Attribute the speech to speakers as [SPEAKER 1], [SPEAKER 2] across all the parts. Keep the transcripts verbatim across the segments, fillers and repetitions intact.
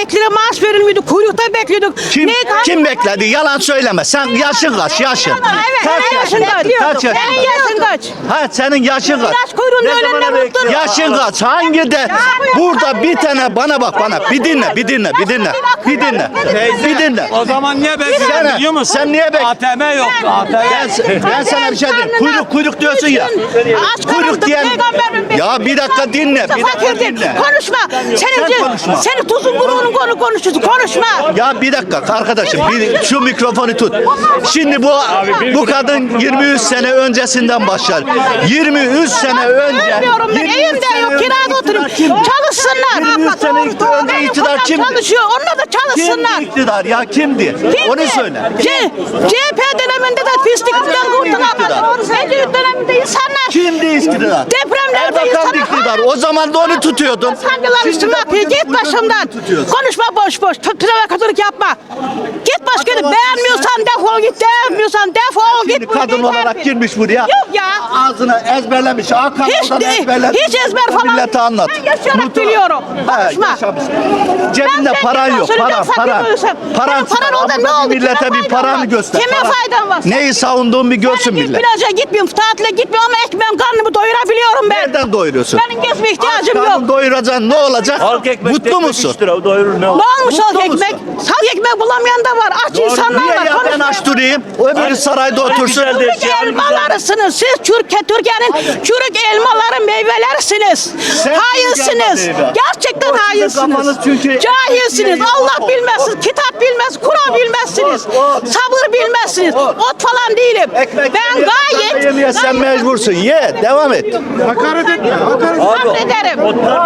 [SPEAKER 1] emeklilere maaş verilmiyordu. Kuyrukta bekliyorduk.
[SPEAKER 2] Kim,
[SPEAKER 1] Ne-
[SPEAKER 2] kim bekledi? Yalan söyleme. Sen yaşın kaç? Yaşın.
[SPEAKER 1] Evet,
[SPEAKER 2] Kaç
[SPEAKER 1] ben
[SPEAKER 2] yaşın?
[SPEAKER 1] yaşındayım.
[SPEAKER 2] Kaç yaşın?
[SPEAKER 1] Senin yaşın kaç?
[SPEAKER 2] Ha senin yaşın kaç?
[SPEAKER 1] Yaş kuyruğunda ölenler mutlu.
[SPEAKER 2] Yaşın kaç? Hangi de burada bir tane bana bak bana bir dinle bir dinle bir dinle bir dinle bir dinle.
[SPEAKER 3] O zaman niye
[SPEAKER 2] Sen-
[SPEAKER 3] bekliyorsun biliyor musun?
[SPEAKER 2] sen niye bek-
[SPEAKER 3] A T M yoktu A T M.
[SPEAKER 2] Ben, ben sana bir şey diyeyim. Kuyruk kuyruk diyorsun ya. Kuyruk diyen. Ya bir dakika dinle. Bir dakika
[SPEAKER 1] Fakirdir.
[SPEAKER 2] dinle.
[SPEAKER 1] Konuşma. Senin
[SPEAKER 2] Sen konuşma.
[SPEAKER 1] Senin tuzun bunun konu konuşuyorsun. Konuşma.
[SPEAKER 2] Ya bir dakika arkadaşım bir, şu mikrofonu tut. Şimdi bu bu kadın yirmi üç sene öncesinden başlar. yirmi üç sene önce.
[SPEAKER 1] Ölmüyorum ben.
[SPEAKER 2] yirmi üç
[SPEAKER 1] Evimde
[SPEAKER 2] sene
[SPEAKER 1] yok.
[SPEAKER 2] önce
[SPEAKER 1] Kirada
[SPEAKER 2] iktidar
[SPEAKER 1] oturuyorum.
[SPEAKER 2] kimdi?
[SPEAKER 1] Çalışsınlar.
[SPEAKER 2] yirmi üç sene önce
[SPEAKER 1] Benim
[SPEAKER 2] iktidar
[SPEAKER 1] kocam
[SPEAKER 2] kimdi?
[SPEAKER 1] çalışıyor. Onlar da çalışsınlar.
[SPEAKER 2] Kimdi iktidar ya kimdi? Onu söyle.
[SPEAKER 1] C CHP döneminde de pislikten kurtulamadı. Ecevit döneminde insanlar
[SPEAKER 2] Kimdi iktidar?
[SPEAKER 1] depremlerde
[SPEAKER 2] Erbakan
[SPEAKER 1] insanlar
[SPEAKER 2] iktidar. O zaman da onu tutuyordun.
[SPEAKER 1] Sancılar
[SPEAKER 2] Şimdi
[SPEAKER 1] üstüme
[SPEAKER 2] de
[SPEAKER 1] atıyor.
[SPEAKER 2] bugün
[SPEAKER 1] Git
[SPEAKER 2] uyduruk
[SPEAKER 1] başımdan.
[SPEAKER 2] tutuyorsun.
[SPEAKER 1] Konuşma boş boş. Provokatörlük yapma. Git başka yere. Beğenmiyorsan defol git. Beğenmiyorsan defol
[SPEAKER 2] Şimdi
[SPEAKER 1] git.
[SPEAKER 2] kadın
[SPEAKER 1] Buyurun,
[SPEAKER 2] olarak
[SPEAKER 1] terfi.
[SPEAKER 2] girmiş buraya.
[SPEAKER 1] Yok ya.
[SPEAKER 2] Ağzına ezberlemiş. Hakan
[SPEAKER 1] Hiç
[SPEAKER 2] oradan
[SPEAKER 1] de-
[SPEAKER 2] ezberlemiş.
[SPEAKER 1] hiç ezber falan
[SPEAKER 2] Millete
[SPEAKER 1] değil.
[SPEAKER 2] anlat.
[SPEAKER 1] Ben yaşayarak
[SPEAKER 2] Mutlu-
[SPEAKER 1] biliyorum.
[SPEAKER 2] Ha,
[SPEAKER 1] Konuşma.
[SPEAKER 2] yaşamış.
[SPEAKER 1] Ben
[SPEAKER 2] Cebinde
[SPEAKER 1] sen
[SPEAKER 2] paran
[SPEAKER 1] yalan
[SPEAKER 2] yok.
[SPEAKER 1] söyleyeceğim,
[SPEAKER 2] Paran, paran.
[SPEAKER 1] sakın
[SPEAKER 2] Paran
[SPEAKER 1] Senin paran oldu, ne oldu?
[SPEAKER 2] Millete
[SPEAKER 1] Kime
[SPEAKER 2] bir
[SPEAKER 1] faydan
[SPEAKER 2] paranı
[SPEAKER 1] var?
[SPEAKER 2] göster.
[SPEAKER 1] Kime
[SPEAKER 2] Paran.
[SPEAKER 1] faydan var?
[SPEAKER 2] Neyi savunduğumu bir görsün
[SPEAKER 1] Ben
[SPEAKER 2] millet.
[SPEAKER 1] plaja gitmiyorum, tatile gitmiyorum ama ekmeğim karnımı doyurabiliyorum ben.
[SPEAKER 2] Nereden doyuruyorsun?
[SPEAKER 1] Benim gezme ihtiyacım
[SPEAKER 2] Karnını
[SPEAKER 1] yok.
[SPEAKER 2] doyuracaksın ne olacak? Mutlu musun?
[SPEAKER 1] Ne olmuş
[SPEAKER 2] Mutlu
[SPEAKER 1] halk
[SPEAKER 2] musun?
[SPEAKER 1] ekmek? Halk ekmek bulamayan da var. Aç insanlar
[SPEAKER 2] Niye
[SPEAKER 1] var.
[SPEAKER 2] ya ben
[SPEAKER 1] Konuşma.
[SPEAKER 2] aç durayım? Öbürü sarayda otursun.
[SPEAKER 1] Çürük elmalarısınız. Siz Türkiye, Türkiye'nin çürük elmaları meyvelerisiniz.
[SPEAKER 2] Sen
[SPEAKER 1] Hainsiniz.
[SPEAKER 2] çürük elma meyve.
[SPEAKER 1] Gerçekten
[SPEAKER 2] O sizin
[SPEAKER 1] hainsiniz.
[SPEAKER 2] kafanız çünkü-
[SPEAKER 1] Cahilsiniz. Allah bilmezsiniz. Kitap bilmez. Kuran bilmezsiniz.
[SPEAKER 2] Ot, ot.
[SPEAKER 1] Sabır bilmezsiniz.
[SPEAKER 2] Ot.
[SPEAKER 1] Ot falan değilim.
[SPEAKER 2] Ekmek
[SPEAKER 1] Ben
[SPEAKER 2] yemeye,
[SPEAKER 1] gayet
[SPEAKER 2] yemeye sen mecbursun. Ye, devam et.
[SPEAKER 4] Hakaret etme. Hakaret
[SPEAKER 1] sabrederim.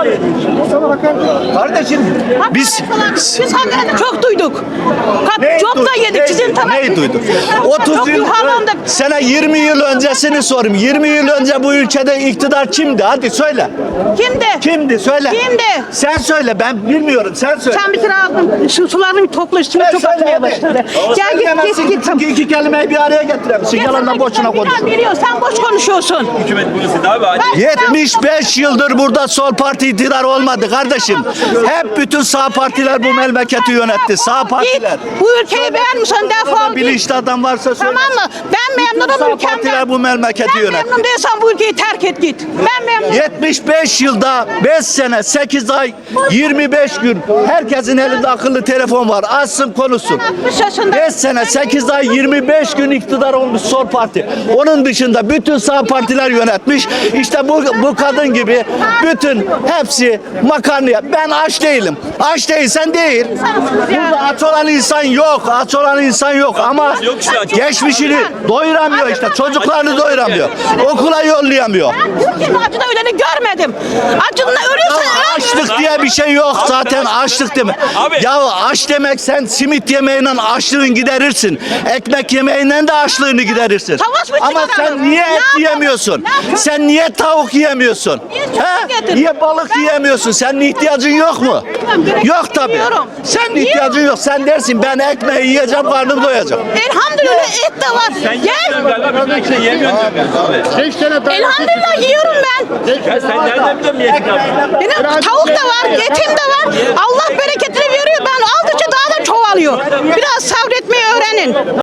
[SPEAKER 2] Kardeşim biz
[SPEAKER 1] Biz hakkında çok duyduk.
[SPEAKER 2] Neyi
[SPEAKER 1] Çok da
[SPEAKER 2] duyduk?
[SPEAKER 1] yedik.
[SPEAKER 2] Neyi-
[SPEAKER 1] Sizin tarafınız.
[SPEAKER 2] Neyi duyduk? otuz
[SPEAKER 1] Çok
[SPEAKER 2] yıl
[SPEAKER 1] yuhalandık.
[SPEAKER 2] sana yirmi yıl öncesini sorayım. yirmi yıl önce bu ülkede iktidar kimdi? Hadi söyle.
[SPEAKER 1] Kimdi?
[SPEAKER 2] Kimdi? Söyle.
[SPEAKER 1] Kimdi?
[SPEAKER 2] Sen söyle. Ben bilmiyorum. Sen söyle.
[SPEAKER 1] Sen bir kere aldın. Şu sularını bir topla üstüme
[SPEAKER 2] Sen
[SPEAKER 1] çok
[SPEAKER 2] söyle
[SPEAKER 1] atmaya
[SPEAKER 2] hadi.
[SPEAKER 1] başladı.
[SPEAKER 2] Ama
[SPEAKER 1] Gel git
[SPEAKER 2] söyleyemezsin
[SPEAKER 1] git git.
[SPEAKER 2] çünkü iki kelimeyi bir araya getiremezsin. Yalandan boşuna konuşuyorsun.
[SPEAKER 1] Biliyor, sen boş konuşuyorsun.
[SPEAKER 3] Hükümet bunu abi.
[SPEAKER 1] Ben-
[SPEAKER 2] yetmiş beş yıldır burada sol parti iktidar olmadı kardeşim. Hep bütün sağ partiler bu memleketi yönetti. Sağ
[SPEAKER 1] Git.
[SPEAKER 2] partiler.
[SPEAKER 1] Bu ülkeyi beğenmiyorsan defol git.
[SPEAKER 2] Bilinçli adam varsa söyle.
[SPEAKER 1] Tamam mı? Ben
[SPEAKER 2] Bütün
[SPEAKER 1] memnunum
[SPEAKER 2] sağ
[SPEAKER 1] ülkemden.
[SPEAKER 2] partiler bu memleketi
[SPEAKER 1] Sen
[SPEAKER 2] yönetti.
[SPEAKER 1] memnun değilsen bu ülkeyi terk et git. Ben memnunum.
[SPEAKER 2] yetmiş beş yılda beş sene sekiz ay yirmi beş gün herkesin elinde akıllı telefon var. Açsın konuşsun.
[SPEAKER 1] altmış yaşındayım.
[SPEAKER 2] beş sene sekiz ay yirmi beş gün iktidar olmuş sol parti. Onun dışında bütün sağ partiler yönetmiş. İşte bu bu kadın gibi bütün hepsi makarnaya. Ben aç değilim. Aç değilsen değil. Burada aç olan insan yok. Aç olan insan yok ama
[SPEAKER 3] Yok işte aç.
[SPEAKER 2] geçmişini doyuramıyor işte. Çocuklarını doyuramıyor. Okula yollayamıyor.
[SPEAKER 1] Ben Türkiye'de acıda öleni görmedim. Acından ölüyorsan öl.
[SPEAKER 2] Açlık diye bir şey yok zaten açlık deme.
[SPEAKER 3] Abi.
[SPEAKER 2] Ya aç demek sen simit yemeğiyle açlığını giderirsin. Ekmek yemeğiyle de açlığını giderirsin.
[SPEAKER 1] Savaş mı
[SPEAKER 2] Ama
[SPEAKER 1] çıkaralım?
[SPEAKER 2] sen niye
[SPEAKER 1] Ne
[SPEAKER 2] et
[SPEAKER 1] yapalım?
[SPEAKER 2] yiyemiyorsun?
[SPEAKER 1] Ne yapalım?
[SPEAKER 2] Sen niye tavuk yiyemiyorsun?
[SPEAKER 1] Niye çocuk
[SPEAKER 2] He?
[SPEAKER 1] getirdin?
[SPEAKER 2] Niye balık
[SPEAKER 1] Ben-
[SPEAKER 2] yiyemiyorsun? Senin ihtiyacın yok mu?
[SPEAKER 1] Bilmem, gerek
[SPEAKER 2] Yok tabii.
[SPEAKER 1] bilmiyorum.
[SPEAKER 2] Senin
[SPEAKER 1] Niye?
[SPEAKER 2] ihtiyacın yok. Sen dersin ben ekmeği yiyeceğim karnım doyacak.
[SPEAKER 1] Elhamdülillah et de var.
[SPEAKER 3] Sen
[SPEAKER 1] Gel.
[SPEAKER 3] galiba bir şey yemiyorsun abi.
[SPEAKER 4] beş tane daha.
[SPEAKER 1] Elhamdülillah yiyorum ben.
[SPEAKER 3] Ya sen nereden biliyorsun yedik abi?
[SPEAKER 1] Benim tavuk da var, etim de var. Allah bereketini veriyor. Ben aldıkça daha da çoğalıyor. Biraz sabretmeyi öğrenin.